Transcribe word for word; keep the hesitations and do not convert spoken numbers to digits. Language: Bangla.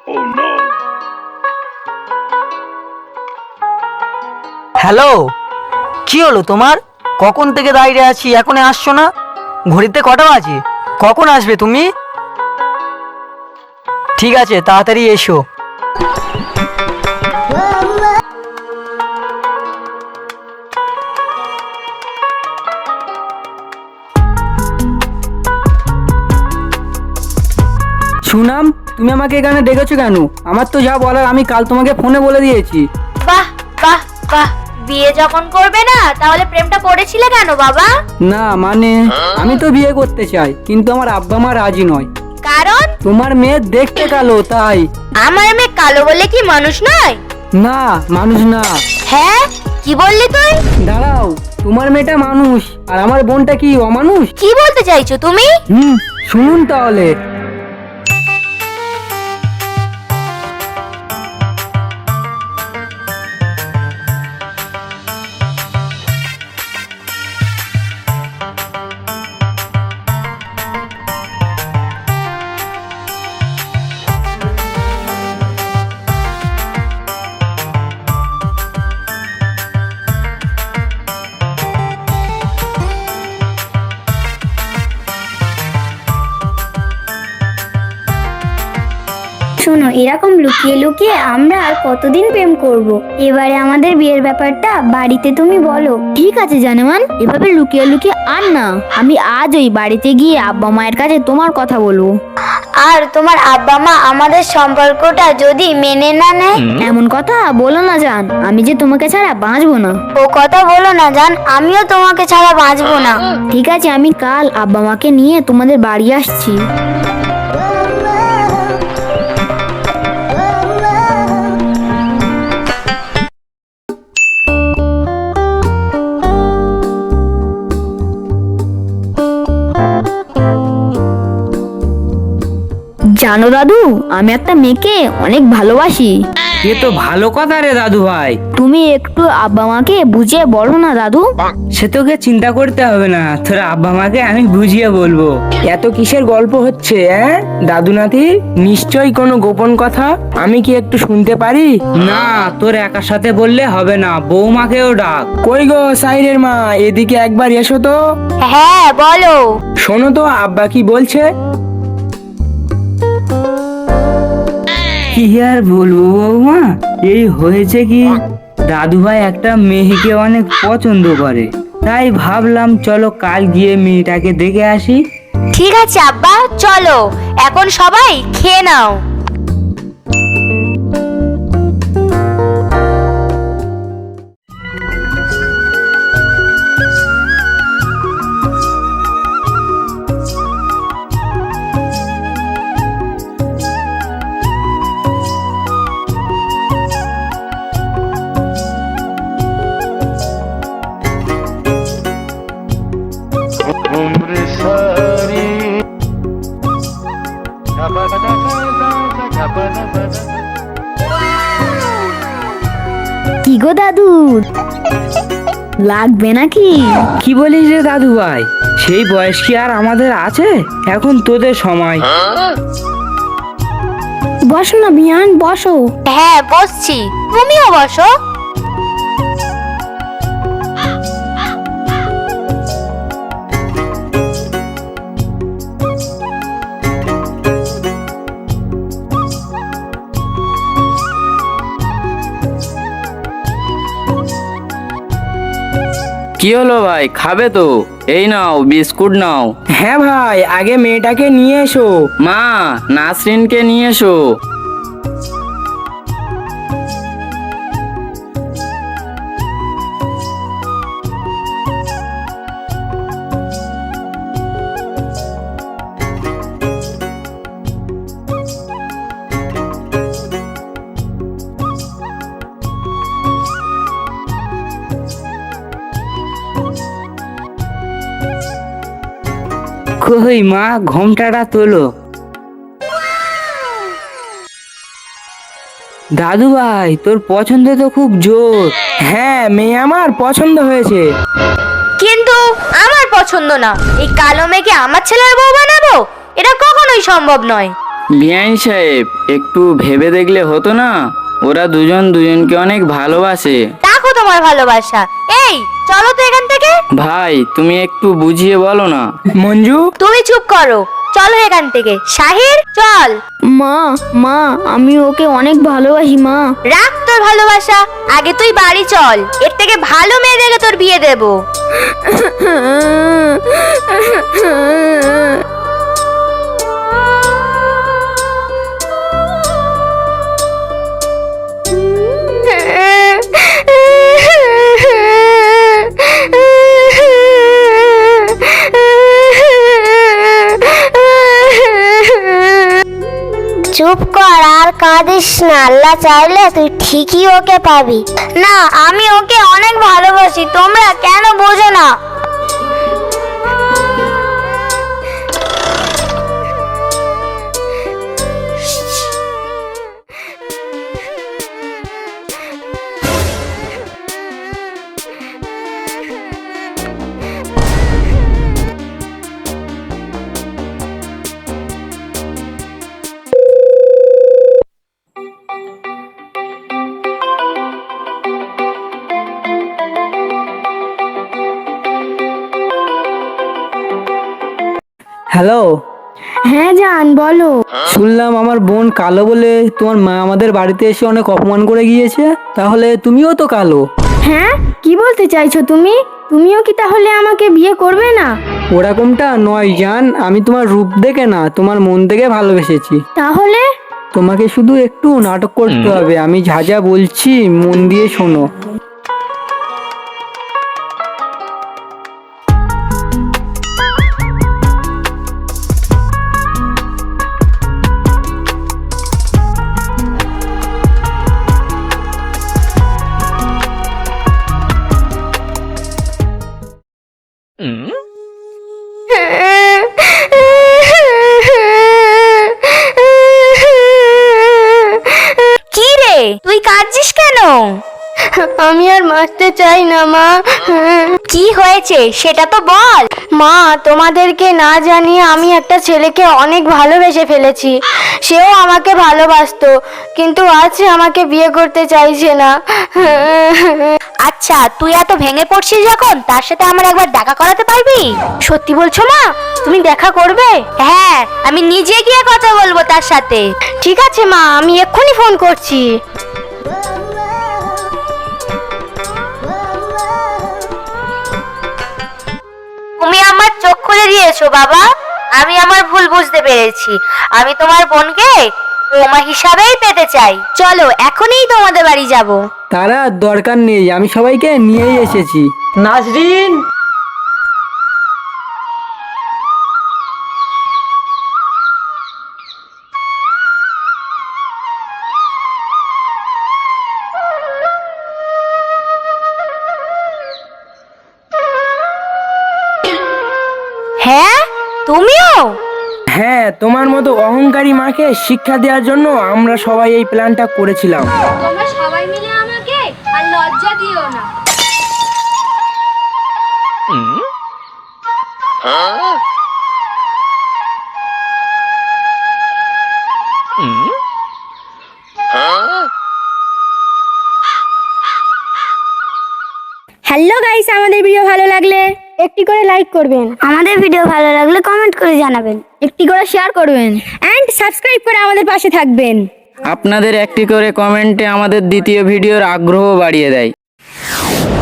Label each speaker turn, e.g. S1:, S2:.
S1: হ্যালো, কি হলো তোমার? কখন থেকে দাঁড়িয়ে আছি, এখনো আসছো না? ঘড়িতে কটা বাজে? কখন আসবে তুমি? ঠিক আছে, তাড়াতাড়ি এসো। সুনাম, তুমি আমাকে এখানে ডেকেছো কেন? আমার তো যা বলার আমি কাল তোমাকে ফোনে বলে দিয়েছি।
S2: বাহ বাহ বাহ, বিয়ে যখন করবে না তাহলে প্রেমটা করেছিলে কেন বাবা?
S1: না মানে আমি তো বিয়ে করতে চাই, কিন্তু আমার আব্বা মা রাজি নয়।
S2: কারণ?
S1: তোমার মেয়ে দেখতে কালো, তাই।
S2: আমার মেয়ে কালো বলে কি মানুষ নয়?
S1: না, মানুষ না।
S2: হ্যাঁ, কি বললি তুই?
S1: দাঁড়াও, তোমার মেয়েটা মানুষ আর আমার বোনটা কি অমানুষ?
S2: কি বলতে চাইছো তুমি?
S1: হুম, শুনুন তাহলে।
S3: শোনো, এরকম লুকিয়ে লুকিয়ে আমরা আর কতদিন প্রেম করব? এবারে আমাদের বিয়ের ব্যাপারটা বাড়িতে তুমি বলো।
S4: ঠিক আছে জানেমান, এভাবে লুকিয়ে লুকিয়ে আর না, আমি আজ ওই বাড়িতে গিয়ে আব্বা মায়ের কাছে তোমার কথা বলবো।
S3: আর তোমার আব্বা মা আমাদের সম্পর্কটা যদি মেনে না নেয়?
S4: এমন কথা বলো না জান, আমি যে তোমাকে ছাড়া বাঁচবো না।
S3: ও কথা বলো না জান, আমিও তোমাকে ছাড়া বাঁচবো না।
S4: ঠিক আছে, আমি কাল আব্বা মাকে নিয়ে তোমাদের বাড়ি আসছি। জানো দাদু, আমি একটা মেয়েকে অনেক ভালোবাসি।
S1: এ তো ভালো কথা রে দাদু ভাই।
S4: তুমি একটু আব্বা মাকে বুঝিয়ে বলো না দাদু।
S1: সে তোকে চিন্তা করতে হবে না, তোর আব্বা মাকে আমি বুঝিয়ে বলবো। এত কিসের গল্প হচ্ছে? হ্যাঁ দাদু নাতি, নিশ্চয়ই কোনো গোপন কথা। আমি কি একটু শুনতে পারি? না, তোর একার সাথে বললে হবে না, বৌমাকেও ডাক। কই গো সাইরের মা, এদিকে একবার এসো তো।
S2: হ্যাঁ বলো।
S1: শোনো তো আব্বা কি বলছে। কি আর বলবো বৌমা, এই হয়েছে কি, দাদু ভাই একটা মেয়েকে অনেক পছন্দ করে, তাই ভাবলাম চলো কাল গিয়ে মেয়েটাকে দেখে আসি।
S2: ঠিক আছে আব্বা, চলো এখন সবাই খেয়ে নাও।
S4: কি গো দাদু, লাগবে নাকি?
S1: কি বলিস রে দাদু ভাই, সেই বয়স কি আর আমাদের আছে? এখন তোদের সময়।
S4: বসো না বিয়ান, বসো।
S2: হ্যাঁ বসছি, তুমিও বসো।
S5: কি হলো ভাই, খাবে তো? এই নাও বিস্কুট নাও।
S1: হ্যাঁ ভাই, আগে মেয়েটাকে নিয়ে এসো।
S5: মা, নাসরিনকে নিয়ে এসো।
S1: কই মা, ঘোমটাটা তোলো। দাদু ভাই, তোর পছন্দ তো খুব জোর। হ্যাঁ, মেয়ে আমার পছন্দ হয়েছে।
S2: কিন্তু আমার পছন্দ না। এই কালো মেয়েকে আমার ছেলের বউ বানাবো, এটা কখনোই সম্ভব নয়।
S5: বিআইন সাহেব, একটু ভেবে দেখলে হতো না? ওরা দুজন দুজনকে অনেক ভালোবাসে।
S2: দেখো তোমার ভালোবাসা। এই চলো তো এখান থেকে।
S5: ভাই, তুমি একটু বুঝিয়ে বলো না।
S1: মঞ্জু,
S2: তুমি চুপ করো, চলো এখান থেকে। শাহির চল।
S4: মা মা আমি ওকে অনেক ভালোবাসি মা।
S2: রাখ তোর ভালোবাসা, আগে তুই বাড়ি চল। এর থেকে ভালো মেয়ে দেখে তোর বিয়ে দেবো।
S3: চুপ কর আর কাঁদিস না, আল্লাহ চাইলে তুই ঠিকই ওকে পাবি। না, আমি ওকে অনেক ভালোবাসি, তোমরা কেন বোঝো না?
S1: হ্যালো।
S3: হ্যাঁ জান, বলো।
S1: শুনলাম আমার বোন কালো বলে তোমার মা আমাদের বাড়িতে এসে অনেক অপমান করে গিয়েছে। তাহলে তুমিও তো কালো।
S3: হ্যাঁ, কি বলতে চাইছো তুমি? তুমিও কি তাহলে আমাকে বিয়ে করবে না?
S1: ওরকমটা নয় জান, আমি তোমার রূপ দেখে না, তোমার মন থেকে ভালোবেসেছি।
S3: তাহলে
S1: তোমাকে শুধু একটু নাটক করতে হবে। আমি যা যা বলছি মন দিয়ে শোনো।
S2: কি রে, তুই কাঁদছিস কেন?
S3: আমি আর বাঁচতে চাই না মা।
S2: কি হয়েছে সেটা তো বল।
S3: মা, তোমাদেরকে না জানিয়ে আমি একটা ছেলেকে অনেক ভালোবেসে ফেলেছি। সেও আমাকে ভালোবাসতো, কিন্তু আজ সে আমাকে বিয়ে করতে চাইছে না।
S2: আচ্ছা, তুই এত ভেঙে পড়ছিস যখন, তার সাথে আমার একবার দেখা করাতে পারবি?
S3: সত্যি বলছো মা? তুমি দেখা করবে?
S2: হ্যাঁ, আমি নিজে গিয়ে কথা বলবো তার সাথে।
S3: ঠিক আছে মা, আমি এক্ষুনি ফোন করছি।
S2: তুমি আমার চোখ খুলে দিয়েছো বাবা। আমি আমার ভুল বুঝতে পেরেছি। আমি তোমার বোনকে বৌমা হিসাবেই পেতে চাই। চলো এখনই তোমাদের বাড়ি যাব।
S1: তারা দরকার নেই, আমি সবাইকে নিয়েই এসেছি।
S6: নাজরিন,
S2: হ্যাঁ, তুমিও?
S1: হ্যাঁ, তোমার মতো অহংকারী মাকে শিক্ষা দেওয়ার জন্য আমরা সবাই এই প্ল্যানটা করেছিলাম।
S2: তোমরা সবাই মিলে আমাকে আর লজ্জা দিও না।
S3: হ্যালো গাইস, আমাদের ভিডিও ভালো লাগলে একটি করে লাইক করবেন, আমাদের ভিডিও ভালো লাগলে কমেন্ট করে জানাবেন,
S4: একটি করে শেয়ার করবেন।
S3: এন্ড সাবস্ক্রাইব করে আমাদের পাশে থাকবেন।
S5: আপনাদের একটি করে কমেন্টে আমাদের দ্বিতীয় ভিডিওর আগ্রহ বাড়িয়ে দেয়।